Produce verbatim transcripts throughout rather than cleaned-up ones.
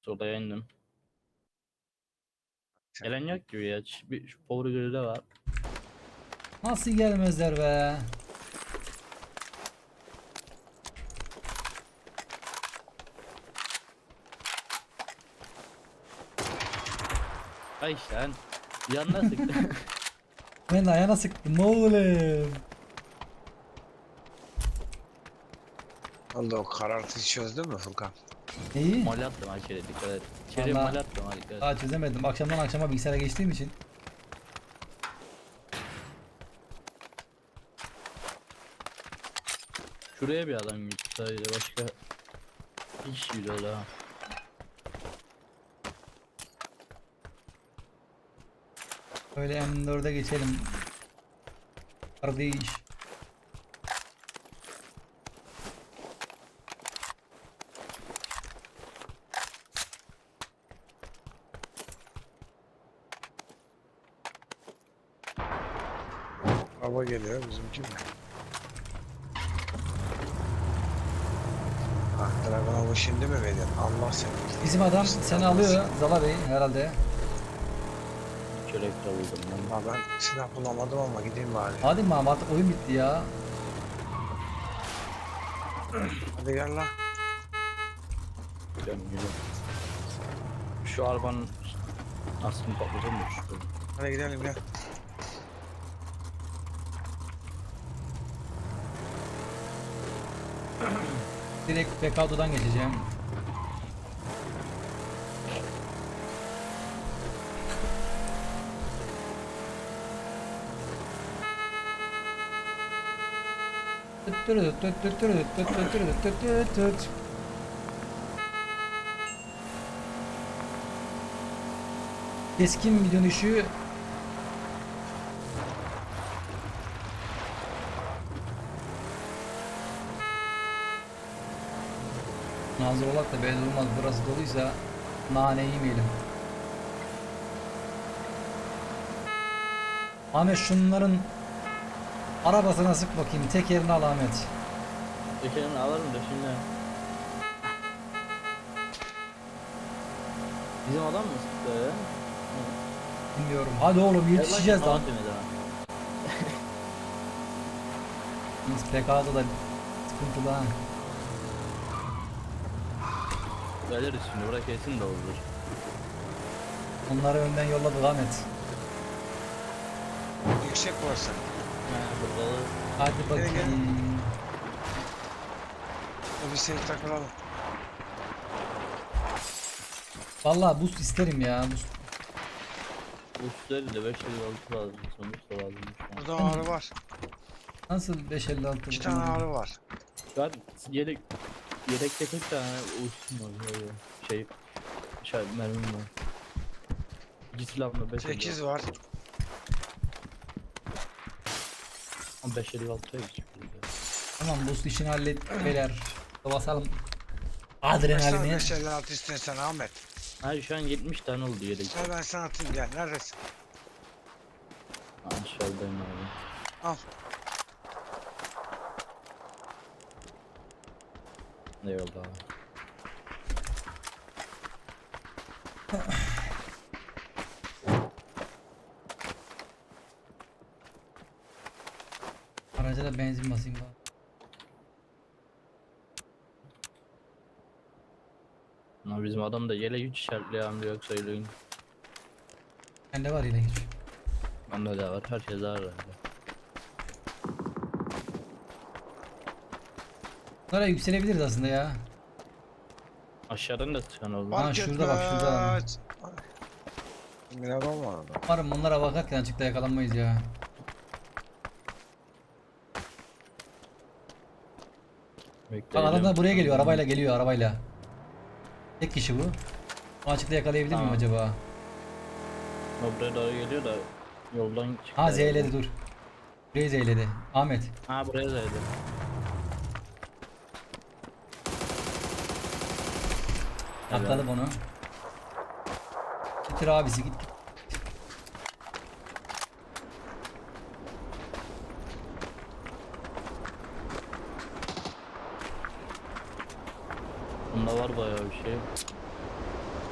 Solaya indim. Gelen yok gibi ya. Ç- Bir, şu power grill'de var. Nasıl gelmezler be? Ay işte lan. Yanına sıktı. Ben de ayağına sıktım oğlum. Oldu o karartıyı çözdün mü Furkan? Neyi? Mal attım ha içeri dikkat et. İçeriye Vallahi- mal attım ha dikkat et. Daha çözemedim. Akşamdan akşama bilgisayara geçtiğim için. Şuraya bir adam gitti sadece başka hiç güzel ha. Böyle M dörde geçelim. Kardeş. Araba geliyor bizimki mi? Ah Dragonov'u şimdi mi veriyorsun? Allah seni. Bizim adam seni alıyor Zala Bey herhalde. Çörek de buldum ben. Ha ben silah bulamadım ama gideyim bari. Hadi Mahmut artık oyun bitti ya. Hadi gel lan. Gidelim gidelim. Şu arabanın aslında patlatılmış. Hadi gidelim gel. Direkt Bekado'dan geçeceğim. Keskin bir dönüşü hazır olak da belli olmaz, burası doluysa nane yemeyelim. Ahmet şunların arabasına sık bakayım, tekerini al Ahmet. Tekerini alırım da şimdi. Bizim adam mı sıktı ya? Bilmiyorum. Hadi oğlum yetişeceğiz lan. Biz P K'da da sıkıntılı ha. Geliriz şimdi bırak kesin de olur. Onları önden yolladık Ahmet. Yüksek burası. Ha burada da Hadi bakayım. Hadi bir seni takılalım. Vallahi boost isterim ya. Boost. bu üstleri de beş elli altı lazım. Sonuçta lazım. Burada ağrı var. Nasıl beş elli altı? İki tane ağrı var. Şu an yedek yedekte kırk tane uçtum var böyle şey şey mermim var. İki silahımda beş Sekiz var. beş elli altıya geçiyor. Tamam boost işini hallet beyler. Basalım. Kaç tane Adrenalini. beş elli altı istiyorsun Ahmet? Hayır şu an yetmiş tane oldu yedek. Gel ben sana atayım gel. Neredesin? Aşağıdayım abi. Al. Eyvallah abi. Araca da benzin basayım bak. Ama bizim adam da yele hiç işaretliyor amca yoksa öyle. Bende var yine hiç. Bende de var her şey var herhalde. Bunlara yükselebiliriz aslında ya. Aşağıdan da çıkan oldu. Ha, Fark şurada bak, şurada. etmez. Mineral var orada. Umarım bunlara bakarken açıkta yakalanmayız ya. Bak Bekleyelim. adamlar buraya geliyor, arabayla geliyor, arabayla. Tek kişi bu. Bu açıkta yakalayabilir miyim Tamam. acaba? O buraya doğru geliyor da yoldan çıktı. Ha herhalde. Z'ledi dur. Burayı Z'ledi. Ahmet. Ha buraya zeydi. Atladım onu. Bitir abisi git. git. Bunda var bayağı bir şey.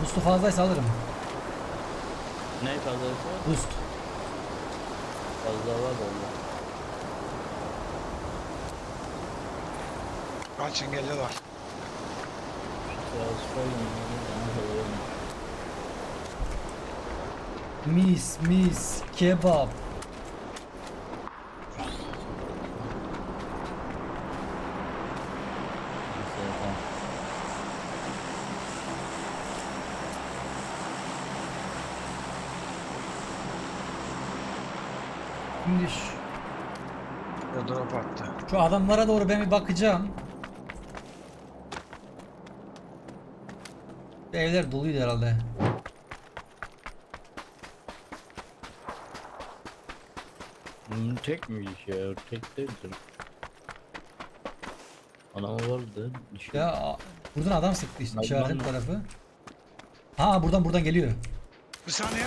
Boost'u fazlaysa alırım. Ne fazlaysa Boost. fazla var da onda. Kaçın geliyorlar. Biraz koydum. Mis mis kebap. Şimdi şu, Ya drop attı. şu adamlara doğru ben bir bakacağım. Bu evler doluydu herhalde. Hmm, tek miymiş ya? Tek değildir. Anam vardı. Düşün. Ya a- buradan adam sıktı işte Hadi işaretin lan. tarafı. Ha buradan buradan geliyor. Bir saniye.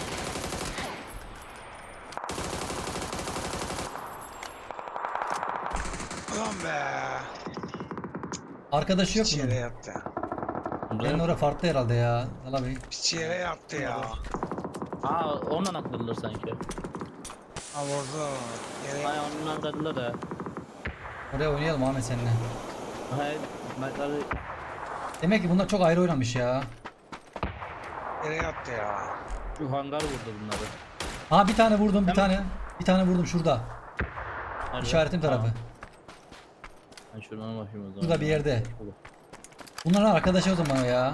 Ulan be. Arkadaşı yok Piç bunun. yere yattı. Benim orada farklı herhalde ya. Valla bey. Piç yere yattı ya. Aa ondan akıllılar sanki. Ha vurdu. Yere Ay ondan akıllılar da. Oraya oynayalım Ahmet seninle. Hayır. Mertleri Demek ki bunlar çok ayrı oynamış ya. yere yattı ya. şu hangar vurdu bunları. Ha bir tane vurdum bir Hemen. tane. Bir tane vurdum şurada. Nerede? İşaretim tarafı. Tamam. Ben şuradan bakayım o zaman. Burada bir yerde. Bunların arkadaşı o zaman ya.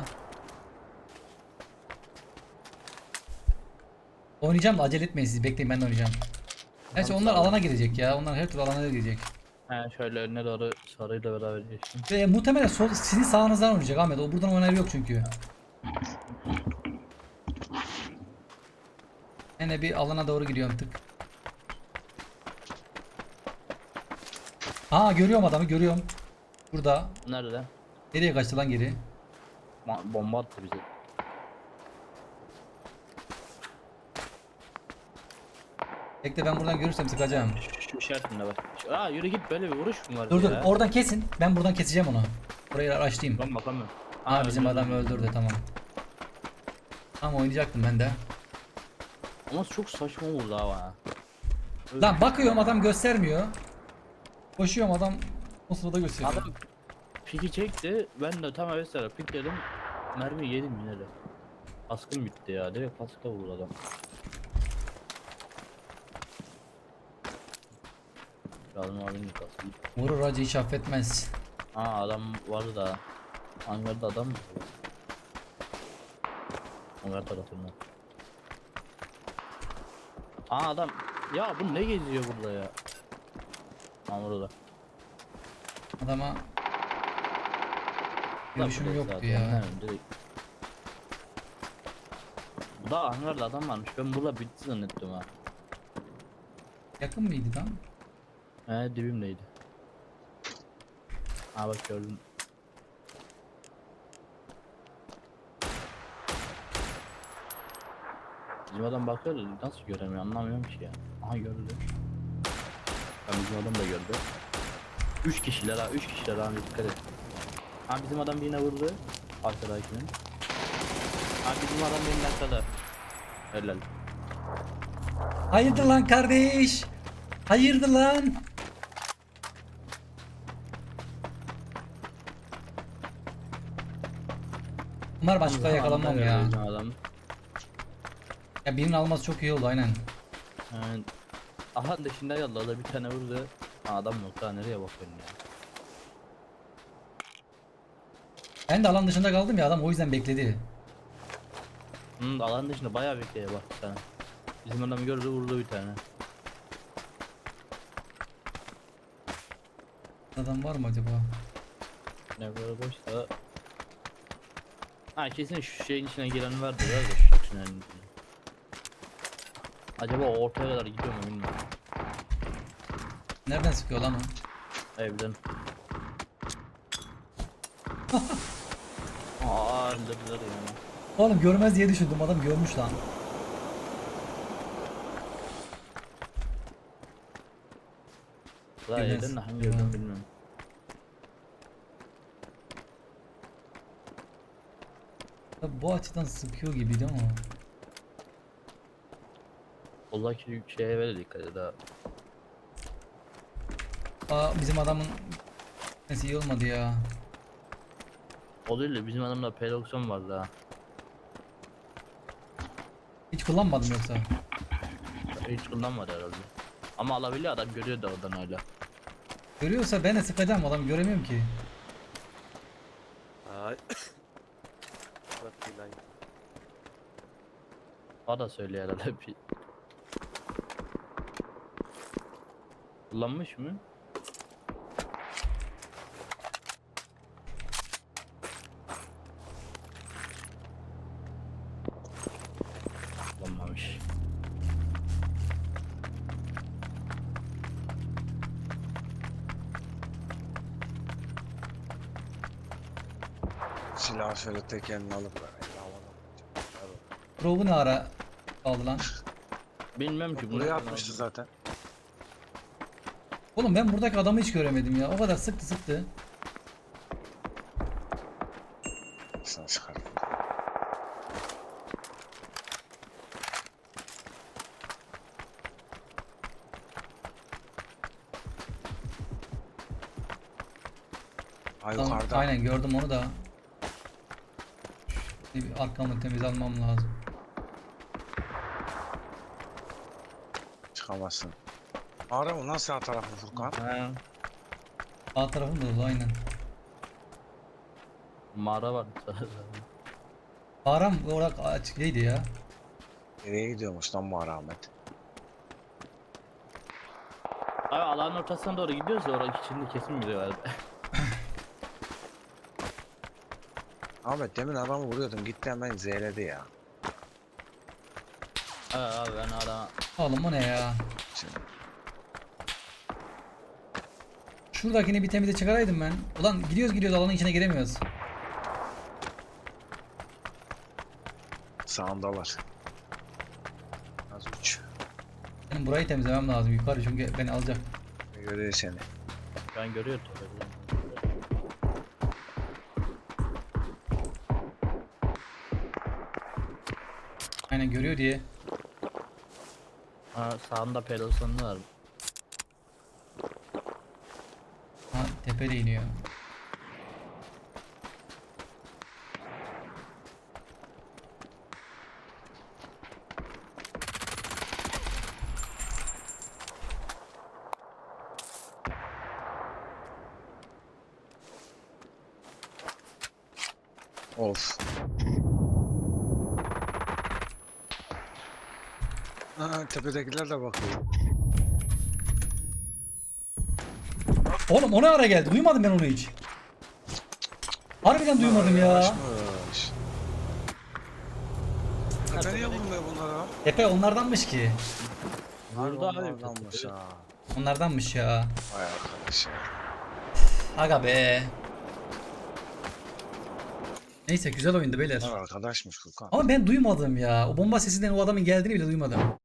Oynayacağım da acele etmeyin siz bekleyin ben de oynayacağım. Gerçi Tamam, onlar sağ ol. alana girecek ya. Onlar her türlü alana girecek. He şöyle önüne doğru sarıyla beraber geçtim. Ve muhtemelen sol, sizin sağınızdan oynayacak Ahmet. O buradan oynar yok çünkü. Yine bir alana doğru gidiyorum tık. Aa görüyorum adamı görüyorum. Burada. Nerede? Nereye kaçtı lan geri? Ma- bomba attı bize. Bekle ben buradan görürsem sıkacağım. Şu, şu işaretinde bak. Şu- Aa yürü git böyle bir vuruş mu var Dur dur ya? oradan kesin. Ben buradan keseceğim onu. Orayı araştırayım. Ben bakamıyorum. Aa bizim öldürdü. adam öldürdü tamam. Tamam oynayacaktım ben de. Ama çok saçma oldu ha. Lan bakıyorum adam göstermiyor. Koşuyorum adam o sırada gösteriyor. Adam piki çekti. Ben de tam evet sıra pik dedim. Mermi yedim yine de. Kaskım bitti ya. Direkt kaska vurdu adam. Lazım abinin kaskı. Vurur acı hiç affetmez. Aa adam vardı da. Hangarda adam mı? Hangar tarafında. Aa adam. Ya bu ne geziyor burada ya? Aa burada. Adama Adam görüşüm burada yoktu zaten, ya. he, direkt. Bu da hangarda adam varmış. Ben burada bitti zannettim ha. Yakın mıydı lan? He dibimdeydi. Aa bak gördüm. Bizim adam bakıyor da nasıl göremiyor anlamıyorum ki ya. Aha gördü. Ben bizim adam da gördü. Üç kişiler ha, üç kişiler ha dikkat et. Ha bizim adam yine vurdu. Arkadakinin. Ha bizim adam benim arkada. Helal. Hayırdır lan kardeş? Hayırdır lan? Bunlar başka yakalanmam Anda ya. gördü bizim adam. Ya birinin alması çok iyi oldu aynen. Yani, aha dışında yolladı bir tane vurdu. Ha, adam yok daha nereye bakıyorsun ya. Ben de alan dışında kaldım ya adam o yüzden bekledi. Hmm, alan dışında bayağı bekleye bak bir tane. Bizim adam gördü vurdu bir tane. Adam var mı acaba? Ne böyle boşsa. Ha kesin şu şeyin içine giren vardır ya da şu tünelin içine. Acaba o ortaya kadar gidiyor mu bilmiyorum. Nereden sıkıyor lan o? Evden. Aa öldürdüler yani. Oğlum görmez diye düşündüm adam görmüş lan. Daha Görmez. evden de hangi Görmez. evden bilmiyorum. Tabii bu açıdan sıkıyor gibiydi ama. Oradaki şeye ver dikkat et ha. Aa, bizim adamın nesi iyi olmadı ya. O değil de bizim adamda P doksan vardı ha. Hiç kullanmadım yoksa. Hiç kullanmadı herhalde. Ama alabiliyor, adam görüyor da oradan hala. Görüyorsa ben de sıkacağım, adamı göremiyorum ki. Ay. Bak billahi. O da söylüyor herhalde bir. Kullanmış mı? Kullanmamış. Silahı şöyle tekerini alıp böyle havada. Drop'u ne ara aldı lan? Bilmem ki. Buraya bunu- atmıştı zaten. Oğlum ben buradaki adamı hiç göremedim ya. O kadar sıktı sıktı. Sana çıkar. Ha Tamam, yukarıda. aynen gördüm onu da. Bir arkamı temiz almam lazım. Çıkamazsın. Ara mı? Nasıl sağ tarafı Furkan? Ha, Sağ tarafım da dolu aynen. mağara var. Param olarak açık değildi ya. Nereye gidiyormuş lan bu Ahmet? Abi alanın ortasına doğru gidiyoruz da orası içinde kesin biri var. Ahmet demin adamı vuruyordum gitti hemen zeyledi ya. Ha abi ben adama Oğlum o ne ya? Şimdi Şuradakini bir temize çıkaraydım ben. Ulan gidiyoruz gidiyoruz alanın içine giremiyoruz. sağındalar. Az uç. Benim burayı temizlemem lazım yukarı çünkü beni alacak. Görüyor seni. ben görüyorum tabii. Aynen görüyor diye. Ha sağında P doksan var. Ha tepede iniyor. Of. Ha, tepedekiler de bakıyor. Oğlum o ne ara geldi? Duymadım ben onu hiç. Harbiden duymadım ya. Yavaşmış. Tepe niye vurmuyor bunlara? Tepe onlardanmış ki. Burada abi. Onlardanmış ha. Onlardanmış ya. Vay arkadaş ya. Aga be. Neyse güzel oyundu beyler. Bunlar arkadaşmış Furkan. Ama ben duymadım ya. O bomba sesinden o adamın geldiğini bile duymadım.